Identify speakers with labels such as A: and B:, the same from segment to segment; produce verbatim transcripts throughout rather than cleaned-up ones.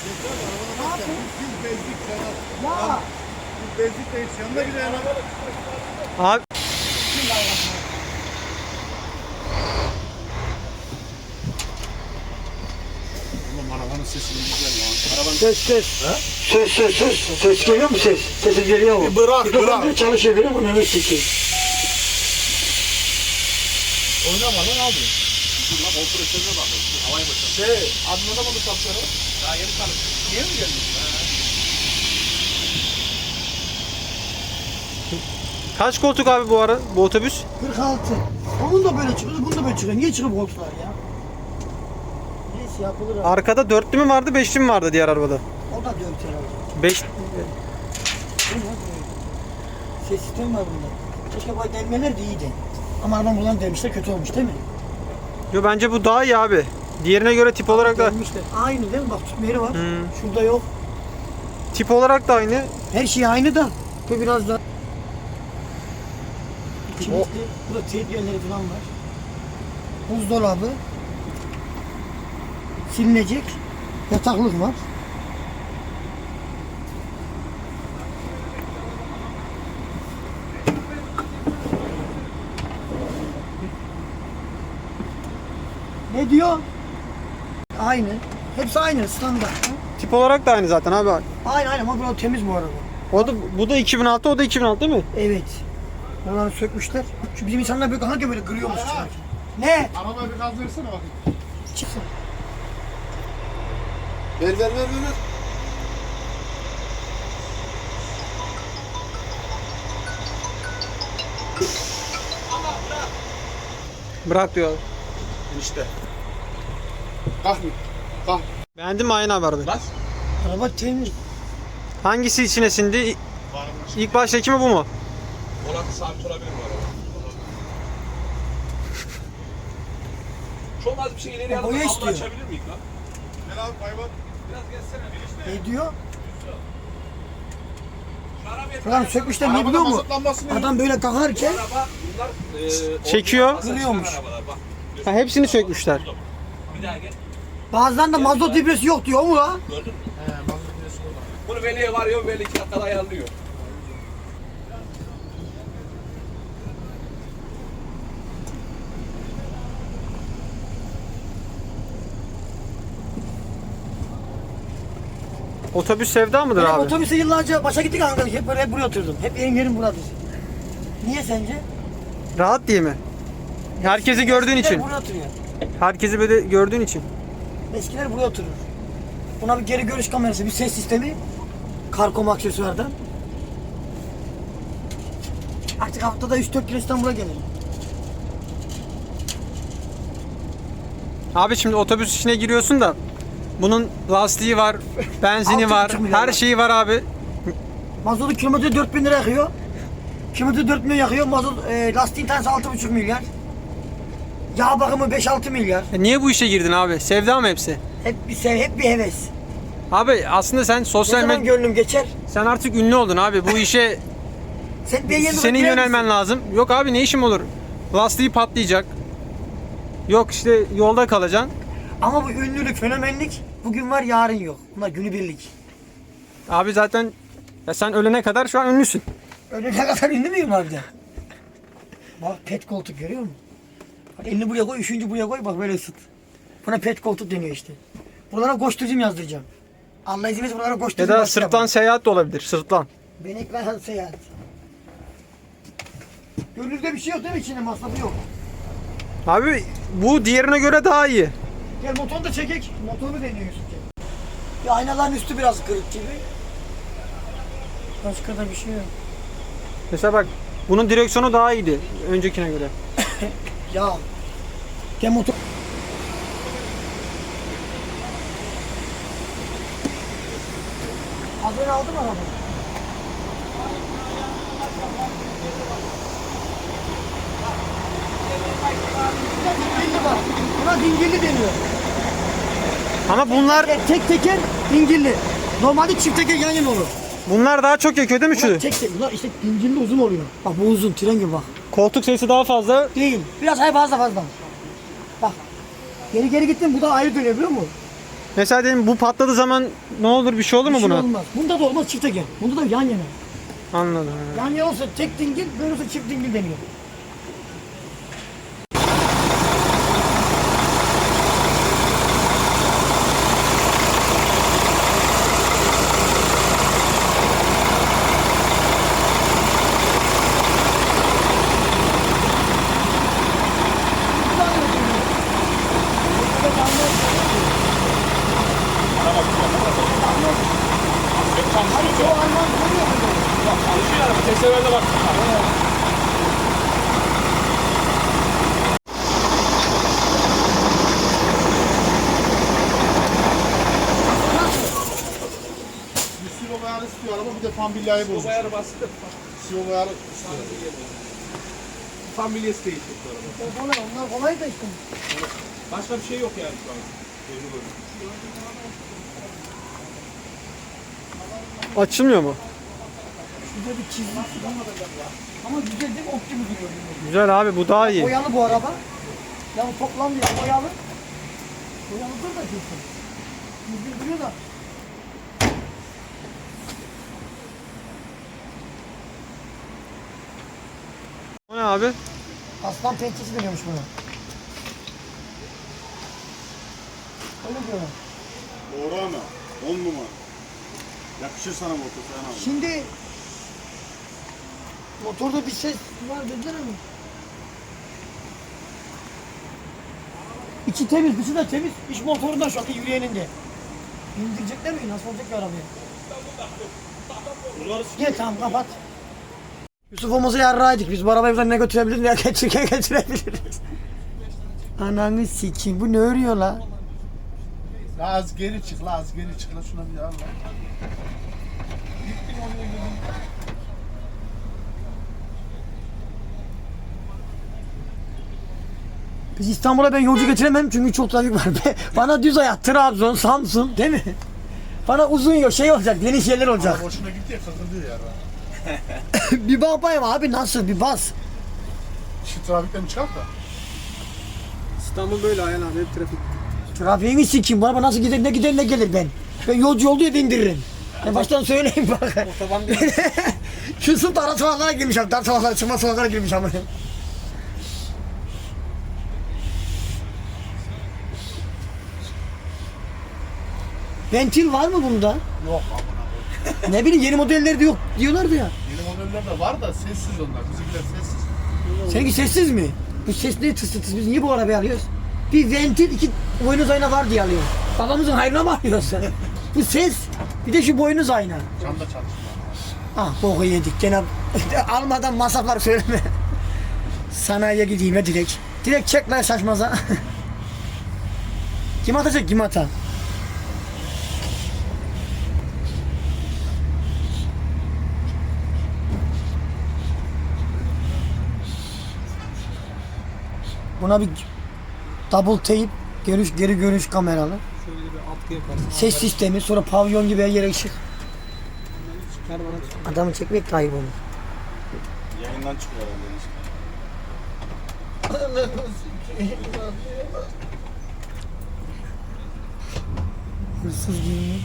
A: Bezlik
B: Ya.
A: bezlik de hiç yanında bile yana.
C: Abi
A: Oğlum arabanın sesi güzel lan. Arabanın
B: Ses ses. Ses ses ses. Ses geliyor mu ses? Sesi geliyor mu?
A: Bir bırak,
B: Mikrofon
A: bırak.
B: çalışıyor biliyor musun? Evet sesi.
A: oynama lan abi. Dur lan kompresörüne bak. Havayı boşalt. Şey, anlamadım sapları. Daha yeni tanıştık. Niye mi geldin?
C: kaç koltuk abi bu ara bu otobüs?
B: kırk altı. Onun da böyle çıkıyor, bunun da böyle çıkıyor. Niye çıkıp koltuklar ya? Neyse yapılır abi.
C: Arkada dörtlü mü vardı, beşli mi vardı diğer arabada?
B: O da dört herhalde.
C: Beş.
B: Bu ne böyle? Ses sistemi var bunda. Keşke bu delmeler de iyiydi. Ama adam buradan delmişler kötü olmuş değil mi?
C: Yo bence bu daha iyi abi. Diğerine göre tip olarak da
B: Delmişler. Aynı değil mi? Bak tutma yeri var.
C: Hmm.
B: Şurada yok.
C: tip olarak da aynı.
B: Her şey aynı da. Bu biraz da kilitli. Burada teyit yerleri falan var. Buzdolabı. Silinecek. Yataklık var. Ne diyor? Aynı. Hepsi aynı standart.
C: Tip olarak da aynı zaten abi.
B: Aynı aynı ama burada temiz bu araba.
C: O da bu da iki bin altı, o da iki bin altı değil mi?
B: Evet. Onları sökmüşler. Şu bizim insanlar böyle hangi böyle kırıyormuş çıkarken. Ne?
A: Arabaya bir gaz versene bakayım.
B: Çıksın.
A: Ver ver ver ver. ver.
C: Bırak diyor.
A: İşte. Kalk mı? Kalk.
C: Beğendin mi aynı abi arabayı?
A: Bas.
B: Araba temiz.
C: Hangisi içine sindi? İlk baştaki mi bu mu?
A: Olan sabit olabilir mi araba?
D: Çok az bir şey ileriye alıp
B: Boya
D: kablo
B: istiyor.
D: açabilir miyim lan?
A: Gel abi hayvan.
D: Biraz gelsene.
B: Ne diyor?
D: Şu arabayı
B: Falan sökmüşler ne
A: Arabada
B: biliyor musun?
A: mazot lambasını
B: Adam böyle kalkarken
D: araba bunlar e,
C: Çekiyor.
D: orijinal
B: Kırıyormuş.
D: arabalar, bak.
C: Ha, hepsini sökmüşler.
D: Bir daha gel.
B: bazılarında mazot ibresi yok diyor mu la?
D: Gördün mü? He, mazot birisi burada. Bunu veliye varıyor, veli iki dakikada ayarlıyor.
C: Otobüs sevda mıdır
B: Benim
C: abi?
B: otobüse yıllarca başa gittik Ankara. Hep böyle hep buraya oturdum. Hep benim yerim buradır. Niye sence?
C: Rahat diye mi? Herkesi gördüğün
B: Eskiler
C: için.
B: buraya oturuyor.
C: Herkesi böyle gördüğün için.
B: Eskiler buraya oturur. Buna bir geri görüş kamerası, bir ses sistemi. Karkom aksesuardan. Artık haftada üç dört kere İstanbul'a gelirim.
C: Abi şimdi otobüs içine giriyorsun da bunun lastiği var, benzini
B: Altı
C: var,
B: buçuk milyon
C: her
B: var.
C: şeyi var abi.
B: Mazotu kilometre dört bin lira yakıyor. Kilometre dört milyon yakıyor. Mazot e, lastiğin tanesi altı buçuk milyar. Yağ bakımı beş altı milyar.
C: E niye bu işe girdin abi? Sevda mı hepsi?
B: Hep bir sev, hep bir heves.
C: Abi aslında sen
B: Ne
C: sosyal
B: zaman
C: medya...
B: gönlüm geçer?
C: Sen artık ünlü oldun abi. Bu işe
B: Sen bir yeni
C: senin yönelmen lazım. Yok abi ne işim olur? Lastiği patlayacak. Yok işte yolda kalacaksın.
B: Ama bu ünlülük, fenomenlik bugün var yarın yok. Bunlar günübirlik.
C: Abi zaten ya sen ölene kadar şu an ünlüsün.
B: Öyle ne kadar ünlü müyüm harbiden? Bak pet koltuk görüyor musun? Bak elini buraya koy, üçüncü buraya koy bak böyle ısıt. Buna pet koltuk deniyor işte. Buralara koşturucum yazdıracağım. Allah izin verirse buralara
C: Ya
B: koşturucum
C: da
B: başlayalım.
C: sırtlan seyahat de olabilir. Sırtlan.
B: Ben ekran seyahat. Gönlünüzde bir şey yok değil mi içinde masrafı yok.
C: Abi bu diğerine göre daha iyi.
B: Gel motoru da çekek. Motoru deniyor Yusuf'cığım. Ya aynaların üstü biraz kırık gibi. Başka da bir şey yok.
C: Mesela bak bunun direksiyonu daha iyiydi öncekine göre.
B: Ya. Gel motor. Haberini aldın mı arabayı? Dingilli var. Buna dingilli deniyor.
C: Ama bunlar
B: E, tek teker dingilli. Normalde çift teker yan yana olur.
C: bunlar daha çok yakıyor değil mi
B: Bunlar
C: şu?
B: tek tek. Bunlar işte dingilli uzun oluyor. Bak bu uzun tren gibi bak.
C: Koltuk sayısı daha fazla.
B: Değil. Biraz hayır fazla fazla. Bak. Geri geri gittim bu da ayrı dönüyor biliyor musun?
C: Mesela dedim bu patladığı zaman ne olur, bir şey olur mu
B: Bir şey
C: buna?
B: olmaz. Bunda da olmaz, çifte gel. Bunda da yan yana.
C: Anladım.
B: Yan yana olsa tek dingil, böyle olsa çift dingil deniyor.
D: Çalışıyor araba. Tek seferde bak.
A: Bir silo ayarı istiyor araba, bir de fan bilyayı
D: Bu
A: bozmuş.
D: ayarı basit de
A: Silo ayarı istiyor.
D: tam bilyesi değil bu araba.
B: Kolay, onlar kolay da işte.
D: Başka bir şey yok yani şu an. Gözü böyle.
C: Açılmıyor mu?
B: Şurada bir çizgi falan. Ama güzel değil mi? Optimus gibi.
C: Güzel abi, bu daha iyi.
B: Boyalı bu araba. Ya bu toplam ya boyalı. Boyalıdır da kesin. Yüzü duruyor da.
C: O ne abi?
B: Aslan pençesi deniyormuş buna. Öyle diyorlar.
A: Doğru ama. On numara. Yakışır sana motor Seyhan abi.
B: Şimdi motorda bir ses var dediler ama. İçi temiz, dışı da temiz. İş motorunda şu anda yürüyenin de. İndirecekler mi? Nasıl olacak ki arabayı? Gel tamam kapat. Yusuf Omuz'a yarrağıydık. Biz bu arabayı buradan ne götürebiliriz ne geçirken götürebiliriz. Ananı sikeyim. Bu ne örüyor la?
A: La az geri çık la, az geri çık la, şuna bir al la.
B: Biz İstanbul'a ben yolcu getiremem çünkü çok trafik var. Bana düz hayat, Trabzon, Samsun değil mi? Bana uzun yol şey olacak, geniş yerler olacak.
A: Araba hoşuna gitti ya, kıkırdıyor ya.
B: Bir bak bayım abi nasıl bir bas.
A: Şu trafikten mi çıkart da?
C: İstanbul böyle Ayhan abi, hep trafik.
B: Trafiğimi sikeyim, bu araba nasıl gider ne gider ne gelir ben. Ben yolcu olduğu yerde indiririm. Ben baştan söyleyeyim bak.
C: Otoban değil.
B: Şu sırf ara sokaklara girmiş abi, dar sokaklara, çıkma sokaklara girmiş ama. Ventil var mı bunda?
A: Yok amına koyayım.
B: Ne bileyim yeni modellerde yok diyorlardı ya.
A: Yeni modeller de var da sessiz onlar. Bizimkiler sessiz.
B: Seninki sessiz mi? Bu ses ne tıs tıs biz niye bu arabayı alıyoruz? Bir ventil iki boynuz ayna var diye alıyoruz. Babamızın hayrına mı alıyorsun? Bu ses bir de şu boynuz ayna.
A: Can da çalışmıyor.
B: Ah boku yedik gene almadan masraflar söyleme. Sanayiye gideyim ya direkt. Direkt çek lan şaşmaza. Kim atacak kim ata? Buna bir double tape görüş geri görüş kameralı.
C: Şöyle bir atkı yaparsın.
B: Ses sistemi sonra pavyon gibi her yere ışık.
C: Çıkar bana.
B: Adamı çekmek de ayıp olur.
A: Yayından çıkıyor herhalde.
B: Hırsız giyiniyor.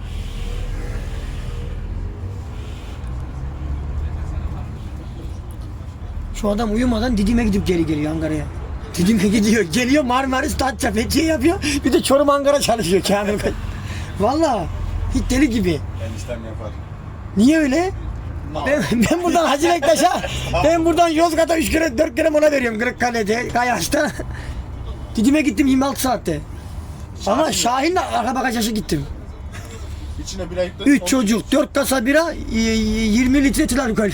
B: Şu adam uyumadan Didim'e gidip geri geliyor Ankara'ya. Didim'e gidiyor. Geliyor Marmaris, Datça, Fethiye yapıyor. Bir de Çorum Ankara çalışıyor Kamil Bey. Valla hiç deli gibi.
A: Eniştem yapar.
B: Niye öyle? Ben, ben buradan Hacı Bektaş'a, ben buradan Yozgat'a üç kere dört kere mola veriyorum Kırıkkale'de, Kayaş'ta. Didim'e gittim yirmi altı saatte. Ama Şahin'le arka bagajaşı gittim.
A: İçine bir ayıkla.
B: Üç çocuk, dört kasa bira, y- y- yirmi litre etil alkol.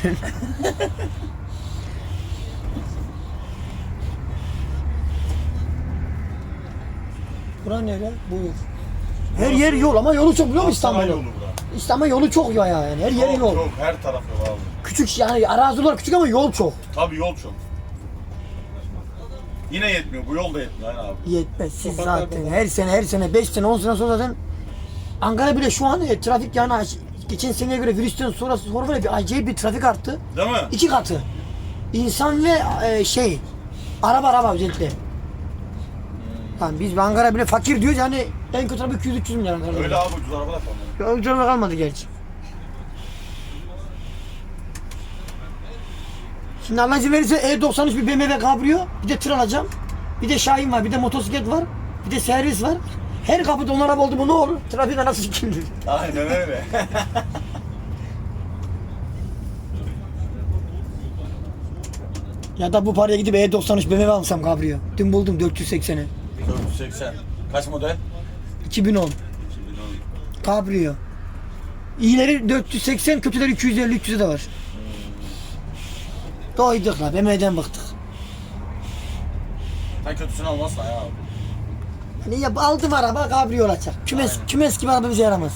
B: Bura nere? Buyur. Her yer yol ama yolu çok biliyor musun İstanbul'un?
A: yolu bura.
B: İstanbul yolu çok ya yani. Her yer
A: Çok,
B: yol.
A: çok, her taraf yol abi.
B: Küçük yani arazi olarak küçük ama yol çok.
A: Tabii yol çok. Yine yetmiyor, bu yol da yetmiyor aynen abi.
B: Yetmez siz zaten her sene her sene beş sene on sene sonra zaten Ankara bile şu an e, trafik yani aç- geçen seneye göre virüsten sonra sonra böyle bir acayip bir trafik arttı.
A: Değil mi?
B: İki katı. İnsan ve e, şey araba araba özellikle. Yani biz Ankara bile fakir diyoruz yani En kötü araba iki yüz üç yüz milyar kaldı.
D: Öyle abi ucuz araba da kalmadı.
B: Ya ucuz araba kalmadı gerçi. Şimdi Allah izin verirse E doksan üç bir B M W Cabrio, bir de tır alacağım. Bir de Şahin var, bir de motosiklet var, bir de servis var. Her kapıda on araba oldu mu ne olur? Trafik anası sikildir.
D: Aynen öyle.
B: Ya da bu paraya gidip E doksan üç B M W alsam Cabrio. Dün buldum dört yüz seksene.
D: dört yüz seksen. Kaç model?
B: iki bin on. Cabrio. İyileri dört yüz seksen, kötüleri iki yüz elli üç yüze de var. Doyduk la, B M W'den bıktık.
D: Sen kötüsünü almazsın ya abi.
B: Hani ya aldım araba Cabrio olacak. Kümes,
D: Aynen.
B: kümes gibi araba bize yaramaz.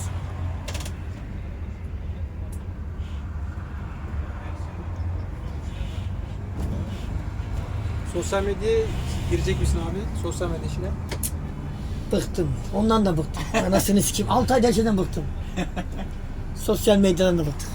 C: Sosyal medyaya girecek misin abi? Sosyal medya işine.
B: Bıktım. Ondan da bıktım. Anasını sikeyim. altı ayda her şeyden bıktım. Sosyal medyadan da bıktım.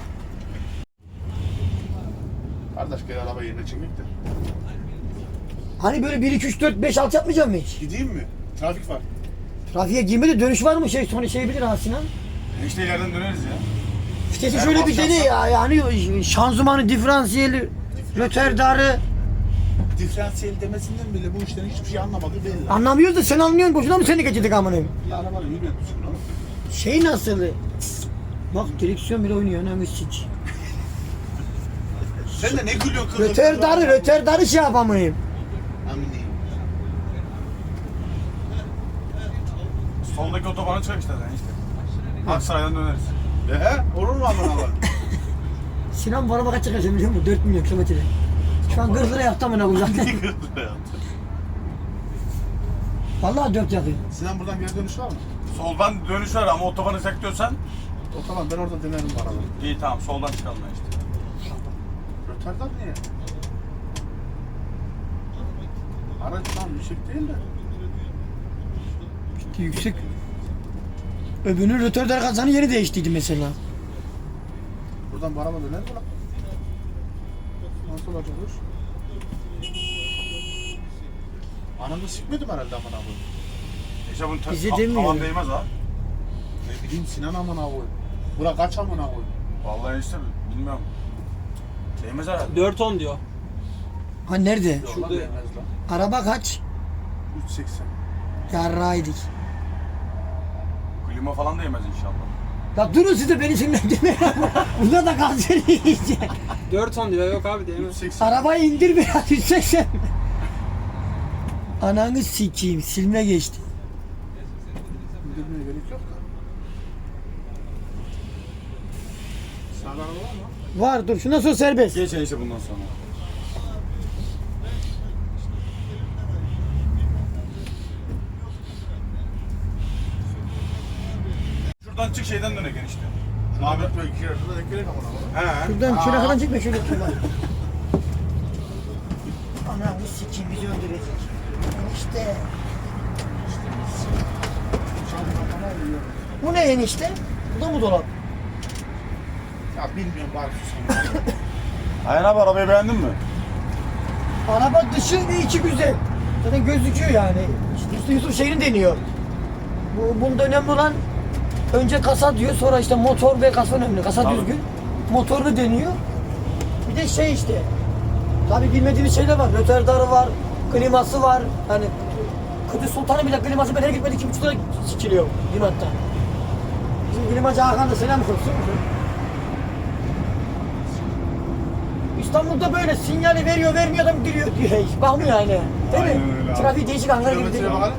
A: Kardeş gel araba yerine çekmek de.
B: Hani böyle bir iki üç dört beş altı yapmayacak mı hiç?
A: Gideyim mi? Trafik var.
B: Trafiğe girmedi dönüş var mı şey sonra şey bilir ha Sinan.
D: İşte ileriden döneriz ya.
B: İşte
A: Eğer
B: şöyle bir
A: basarsan-
B: dene ya yani şanzımanı, diferansiyeli, röterdarı
A: Diferansiyel demesinden bile bu işten hiçbir şey anlamadı belli.
B: anlamıyoruz da sen anlıyorsun boşuna mı seni geçirdik amınım?
A: Bir arabanın yürüyen düzgün oğlum.
B: Şey nasıl? Bak direksiyon bile oynuyor önemli siç.
A: Sen de ne gülüyorsun kızım?
B: Röterdarı, röterdarı şey yapamayayım.
A: Amin.
D: Soldaki otobana çık işte sen işte. Aksaray'dan döneriz.
A: Ehe olur mu aman Allah?
B: Sinan bu araba kaç çıkacak biliyor musun? dört milyon kilometre. Şu an kırk lira yaptı amına koyayım. Vallahi dört yakıyor.
A: Sinan buradan geri dönüş var mı?
D: Soldan dönüş var ama otobanı sekliyorsan
A: O tamam ben orada denerim bu arabayı.
D: iyi tamam soldan çıkalım ya işte.
A: Rötardar niye? Araç tam yüksek değil de.
B: İşte yüksek. Öbürünün rötordar kazanı yeni değiştiydi mesela.
A: Buradan bu araba döner mi lan? Nasıl olacak bu iş? Anamda sikmedim herhalde amına koyayım.
D: İşte bunun ta-
B: Bizi
D: ta-
B: demiyor.
D: tavan değmez ha.
A: Ne bileyim Sinan amına koyayım. Bura kaç amına koyayım?
D: Vallahi işte bilmiyorum. Değmez herhalde.
C: dört on diyor.
B: Ha nerede?
A: Yok lan
C: Şurada-
A: değmez lan.
B: Araba kaç?
A: üç seksen.
B: Yarraydık.
D: Klima falan değmez inşallah.
B: Ya durun siz de beni sinirlendirmeyin. Bunda da gaz yiyecek.
C: dört on diyor. Yok abi değmez.
A: üç seksen.
B: Arabayı indir biraz yüz seksen. Ananı sikeyim silme geçti.
A: İndirmeye gerek yok da. Sağdan araba var mı?
B: Var dur şundan sonra serbest.
D: Geçen işte bundan sonra. Şuradan çık şeyden dönek enişte.
A: Ahmet Bey iki yarıda da gerek amına koyayım.
D: He.
B: Şuradan şöyle kadar çekme şöyle şöyle. Ananı sikeyim bizi öldürecek. İşte. Bu ne enişte? Bu da mı dolap?
A: Ya bilmiyorum bari susam.
D: Ayhan abi arabayı beğendin mi?
B: Araba dışı ve içi güzel. Zaten gözüküyor yani. İşte Yusuf, Yusuf şehrini deniyor. Bu, bunda önemli olan önce kasa diyor sonra işte motor ve kasa önemli. Kasa
D: Tabii.
B: düzgün. Motorunu deniyor. Bir de şey işte. Tabii bilmediğimiz şeyler var. Röterdarı var. Kliması var. Hani Kudüs Sultan'ın bile kliması ben her gitmedi iki buçuk lira sikiliyor limatta. Bizim klimacı Hakan da selam olsun. İstanbul'da böyle sinyali veriyor vermiyor adam giriyor diyor. Hiç bakmıyor yani. Değil
D: Aynen
B: mi?
D: öyle abi.
B: Trafik değişik Ankara gibi değil.
A: Kilometreye bakalım.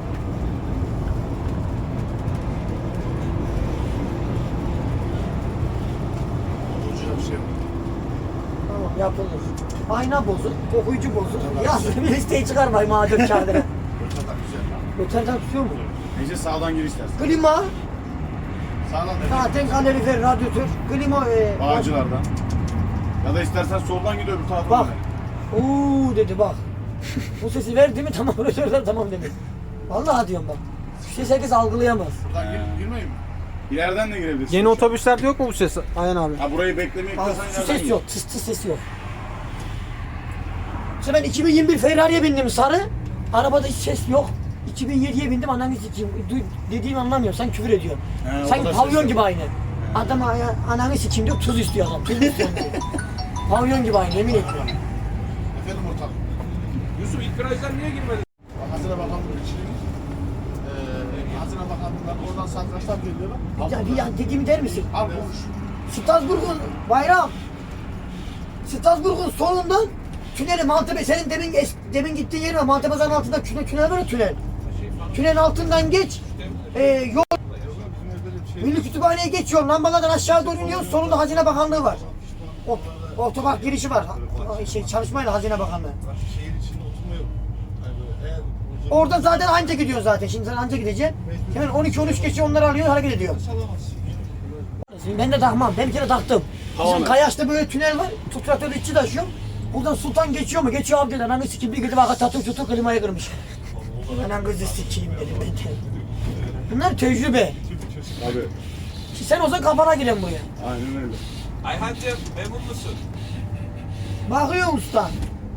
A: Olacağı bir şey yok.
B: Tamam yapılır. Ayna bozuk, okuyucu bozuk. Yazın bir listeyi çıkarmayın madem kağıdına.
A: Rötardar güzel lan.
B: Röterdar tutuyor mu?
D: Neyse sağdan gir istersen.
B: Klima,
A: Sağdan da
B: zaten kalorifer, radyatör, klima ve...
D: Bağcılardan. Ya da istersen soldan gidiyor bir tarafa.
B: Bak.
D: dönelim.
B: Uuu dedi bak. Bu sesi verdi mi tamam röterdar tamam dedi. Vallahi diyorum bak. Şu ses herkes algılayamaz.
A: buradan
D: He.
A: gir, girmeyeyim mi?
D: İleriden de girebilirsin.
C: Yeni otobüslerde yok mu bu ses Ayhan abi?
D: Ha burayı beklemeye
B: Bak
D: gidiyorsan
B: şu
D: ileriden
B: ses
D: gir.
B: yok, tıs tıs sesi yok. İşte ben iki bin yirmi bir Ferrari'ye bindim sarı. Arabada hiç ses yok. iki bin yediye bindim ananı sikeyim. Du- Dediğimi anlamıyorum. Sen küfür ediyorsun.
A: He, o
B: Sanki
A: kadar
B: pavyon
A: ses
B: gibi aynı. Adam aya- ananı sikeyim diyor, tuz istiyor adam. Tuz istiyor diyor. Pavyon gibi aynı, yemin ediyorum.
A: Efendim ortak.
D: Yusuf ilk virajdan niye girmedin?
A: Hazine Bakanlığı için. Eee Hazine Bakanlığı'ndan oradan satrançlar geliyorlar.
B: Bir, ya- bir ya dediğimi der misin?
A: Al konuş.
B: Strasbourg'un bayram. Strasbourg'un solundan tüneli Maltepe, senin demin es, demin gittiğin yer var. Maltepeza'nın altında tünel, tünel var ya tünel. Tünelin altından geç. E, yol. Milli Kütüphane'ye geçiyor. Lambalardan aşağı doğru iniyor. Solunda Hazine Bakanlığı var. O, otopark girişi var. O, Şey, çalışmayla Hazine Bakanlığı.
A: Şehir içinde oturma yok. Yani böyle eğer uzun-
B: Orada zaten anca gidiyor zaten. Şimdi sen anca gideceksin. Hemen on iki on üç geçiyor, onları alıyor, hareket ediyor. Ben de takmam. Ben bir kere taktım. Bizim Kayaş'ta böyle tünel var. Tutratörlü içi taşıyorum. Buradan Sultan geçiyor mu? Geçiyor abi dedi. Ananı sikeyim. Bir gidip arka tatlı tutup klimayı kırmış. Anam kızı sikeyim dedim ben de. Bunlar tecrübe.
A: Abi
B: Ki sen olsan kafana giren buraya.
A: aynen öyle.
D: Ayhancığım memnun musun?
B: Bakıyor usta.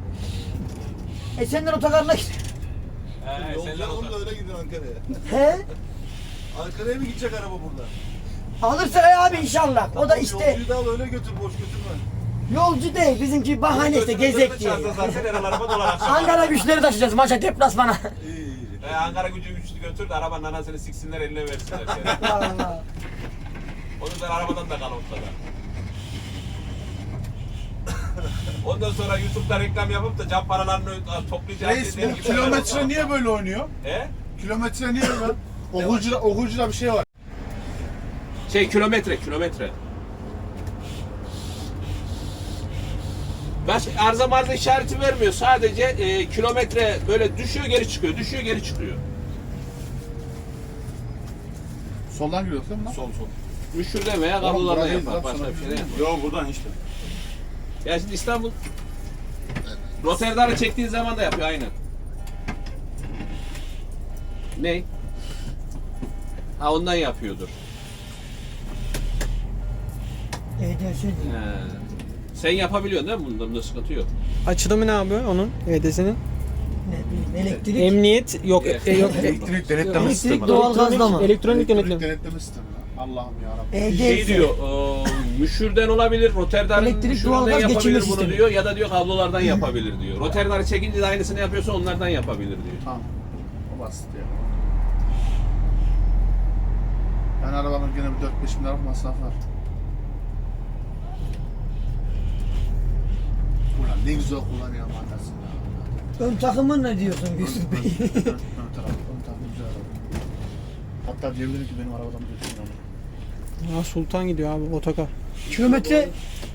B: E senden otogarına git.
D: He senden
A: Yolcu da
D: o
A: öyle gidiyor Ankara'ya.
B: He?
A: Ankara'ya mı gidecek araba burada?
B: Alırsa ya abi inşallah. O da işte
A: Yolcuyu da al öyle götür, boş götürme.
B: yolcu değil. Bizimki bahane işte gezek diye.
D: Zaten her araba dolar akşam.
B: Ankara güçleri taşıyacağız maça deplasmana.
A: İyi iyi.
D: He Ankara gücü güçlü götür de arabanın anasını siksinler eline versinler. Yani.
B: Allah.
D: O yüzden arabadan da kal ortada. Ondan sonra YouTube'da reklam yapıp da cam paralarını toplayacağız.
A: Reis
D: dediğin
A: bu
D: gibi
A: kilometre
D: araba-
A: niye böyle oynuyor?
D: He?
A: Kilometre niye böyle? Okuyucuda, okuyucuda bir şey var.
D: Şey kilometre, kilometre. Baş arıza marza işareti vermiyor. Sadece e, kilometre böyle düşüyor geri çıkıyor, düşüyor geri çıkıyor.
A: Soldan giriyorsun değil mi lan?
D: Sol sol. Müşürde veya kablolardan
A: buradan
D: yapar.
A: değil,
D: Başka
A: sana
D: bir şey de
A: bir
D: yapar.
A: Yok buradan işte.
D: Ya şimdi İstanbul Rotterdam'ı çektiğin zaman da yapıyor aynı. Ne? Ha ondan yapıyordur.
B: E D S diyor.
D: He. Sen yapabiliyorsun değil mi? Bunda, bunda sıkıntı yok.
C: Açılımı ne abi onun E D S'nin?
B: Ne bileyim elektrik.
C: Emniyet yok.
D: Evet.
C: E, yok.
A: Elektrik denetleme
B: Elektrik
A: sistemi.
B: doğal gazla mı?
C: Elektronik denetleme.
A: denetleme sistemi. lan. Allah'ım yarabbim.
B: E D S.
D: Şey diyor, o, müşürden olabilir, Rotterdam'ın
B: Elektrik,
D: müşüründen
B: doğalgaz geçirme
D: yapabilir bunu
B: sistemi.
D: diyor ya da diyor kablolardan yapabilir diyor. Rotterdam'ı çekince de aynısını yapıyorsa onlardan yapabilir diyor.
A: Tamam. O basit ya. Yani arabanın gene bir dört beş bin lira masraf var. Ulan ne güzel kullanıyor anasını.
B: Ön takımın ne diyorsun Yusuf Bey?
A: Ön taraf, ön taraf güzel araba. Hatta diyebilirim ki benim arabadan götürün onu.
C: Ha, Sultan gidiyor abi otokar.
B: Kilometre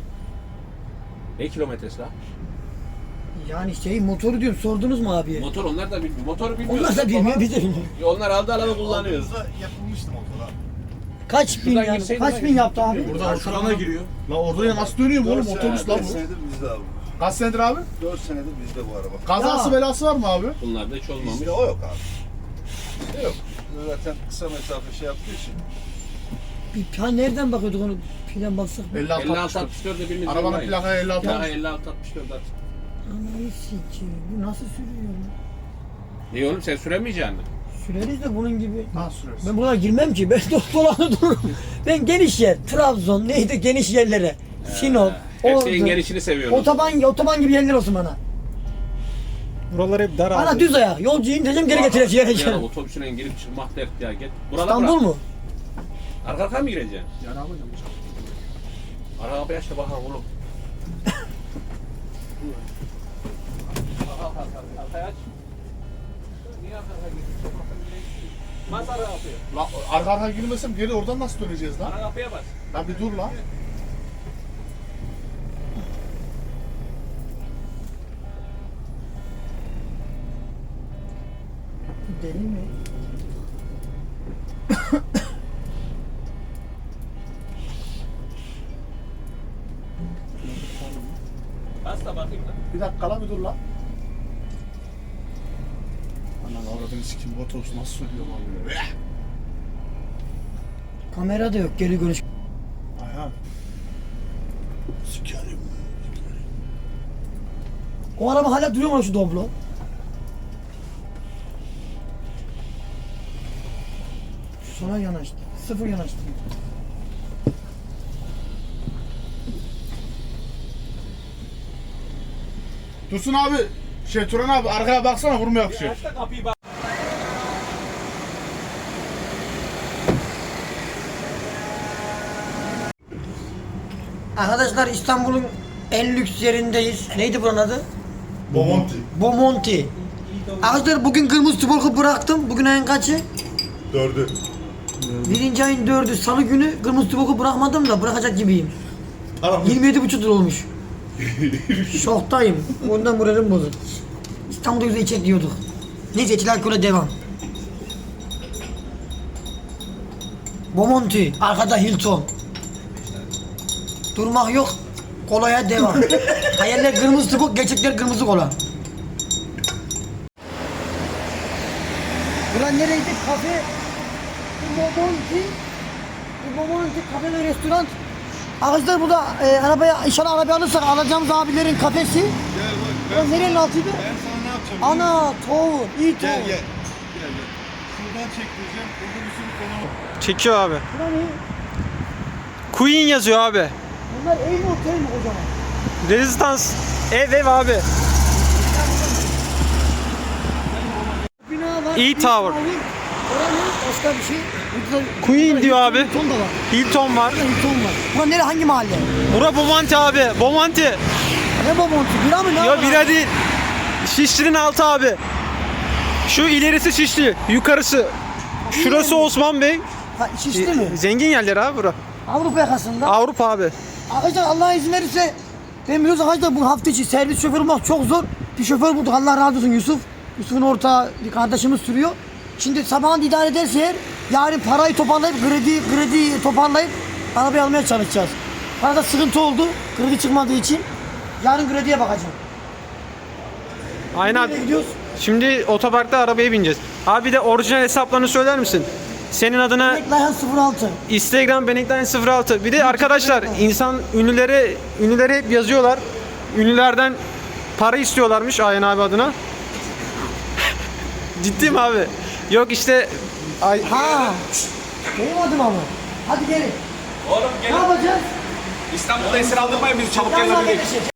D: Ne kilometresi la?
B: yani şey motoru diyorum, sordunuz mu abiye?
D: Motor onlar da bilmiyor. Motoru bilmiyor.
B: Onlar da bilmiyor, biz de bilmiyoruz.
D: Onlar aldı alanı kullanıyoruz.
A: Aldığımızda yapılmıştı motora.
B: Kaç bin
D: Şuradan
B: yani?
D: girseydin
B: Kaç
D: ben-
B: bin yaptı abi?
A: Buradan Şuran'a giriyor. La orada ya nasıl dönüyor mu oğlum otobüs la
E: beş
A: bu?
E: senedir bizde abi.
A: Kaç senedir abi?
E: dört senedir bizde bu araba.
A: Kazası
B: Ya.
A: belası var mı abi?
D: Bunlar da hiç olmamış.
E: Bizde o yok abi. Bizde yok. Zaten kısa mesafe şey yaptığı için.
B: Bir ha nereden bakıyorduk onu plan baksak?
A: elli altı
D: elli
A: altmış
D: altı
A: dört.
D: altmış dörtte biriniz
A: Arabanın
D: yollayın.
A: plakaya elli altı
D: Plaka
A: altmış.
D: elli altı altmış dört at.
B: Anayı sikeyim. Bu nasıl sürüyor lan?
D: İyi oğlum sen süremeyeceksin mi?
B: Süreriz de bunun gibi.
A: Ha sürersin.
B: Ben buna girmem ki. Ben dolanı dururum. Ben geniş yer. Trabzon neydi geniş yerlere. Sinop.
D: Hep senin
B: Ordu.
D: gelişini seviyorum.
B: Otoban, otoban gibi yerler olsun bana.
C: Buralar hep dar abi.
B: Bana düz ayak. Yolcu indireceğim geri getireceğim.
D: Ya
B: Geri.
D: otobüsüne girip çıkmak dert ya. Git. Buradan
B: İstanbul
D: bırak.
B: mu?
D: Arka arka mı gireceksin?
A: Ya ne yapacağım?
D: Arka kapıyı aç da bakalım oğlum. Arka arka arkayı aç. Niye arka arka girdin? Sokaktan gireceksin. Bas arka kapıyı.
A: La arka arka girmesem geri oradan nasıl döneceğiz lan?
D: Arka kapıya bas.
A: Lan bir dur lan.
B: Deli mi?
D: Bas da bakayım da.
A: Bir dakika lan bir dur lan. Anan avradını sikim bu otobüs nasıl sürüyor lan böyle?
B: Kamera da yok. Geri görüş.
A: Ayhan. Sikerim.
B: O araba hala duruyor mu şu Doblo? Sola yanaştı. Sıfır yanaştı.
A: Dursun abi. Şey Turan abi arkaya baksana vurma yapışıyor.
D: Aç da kapıyı bak.
B: Arkadaşlar İstanbul'un en lüks yerindeyiz. Neydi buranın adı?
A: Bomonti.
B: Bomonti. Arkadaşlar bugün kırmızı tuborgu bıraktım. Bugün ayın kaçı?
A: Dördü.
B: Birinci ayın dördü. Salı günü kırmızı tuborgu bırakmadım da bırakacak gibiyim. yirmi yedi buçuk lira olmuş. Şoktayım. Ondan moralim bozuk. İstanbul'da güzel içecek diyorduk. Neyse içiler alkole devam. Bomonti. Arkada Hilton. Durmak yok. Kolaya devam. Hayaller kırmızı tuborg, gerçekler kırmızı kola. Ulan nereydi? Kafe. Bomonti. Bomonti kafe ve restoran. Arkadaşlar burada e, arabaya, inşallah arabaya alırsak alacağımız abilerin kafesi.
E: Gel bak.
B: Ulan nerenin altıydı?
E: Ben sana ne yapacağım?
B: Ana, toğu, iyi toğu.
E: Gel gel. Gel gel. Şuradan çektireceğim. Burada bir sürü konu.
C: Çekiyor abi.
B: Ulan iyi.
C: Queen yazıyor abi.
B: Bunlar ev mi otel mi kocaman?
C: Rezistans. Ev ev abi.
B: Bina var.
C: İyi
B: bir
C: tower.
B: Oranın başka bir şey. Burada,
C: Queen
B: burada
C: diyor
B: Hilton-
C: abi.
B: Hilton da var.
C: Hilton var.
B: Burada Hilton var. Ulan nere hangi mahalle?
C: Bura Bomonti abi. Bomonti.
B: Ne Bomonti? Bira mı ne?
C: Yo
B: var?
C: bira değil. Şişli'nin altı abi. Şu ilerisi Şişli. Yukarısı. Şurası Osman Bey.
B: Ha, Şişli mi?
C: Zengin yerler abi bura.
B: Avrupa yakasında.
C: Avrupa abi.
B: Arkadaşlar Allah izin verirse ben biliyoruz arkadaşlar bu hafta içi servis şoförü bulmak çok zor. Bir şoför bulduk Allah razı olsun Yusuf. Yusuf'un ortağı bir kardeşimiz sürüyor. Şimdi sabahın idare ederse eğer yarın parayı toparlayıp kredi kredi toparlayıp arabayı almaya çalışacağız. Parada sıkıntı oldu kredi çıkmadığı için. Yarın krediye bakacağım.
C: Aynen abi.
B: Nereye gidiyoruz?
C: Şimdi otoparkta arabaya bineceğiz. Abi bir de orijinal hesaplarını söyler misin? Senin adına
B: Bekleyen sıfır altı.
C: Instagram Benekten sıfır altı. Bir de arkadaşlar insan ünlülere ünlülere hep yazıyorlar. Ünlülerden para istiyorlarmış Ayhan abi adına. Ciddi mi abi? Yok işte ay,
B: Ha. Benim adım ama. Hadi gelin.
D: Oğlum
B: Ne
D: gelin.
B: yapacağız?
D: İstanbul'da esir aldırmayın bizi çabuk
B: Yanına
D: gelin.
B: gelin.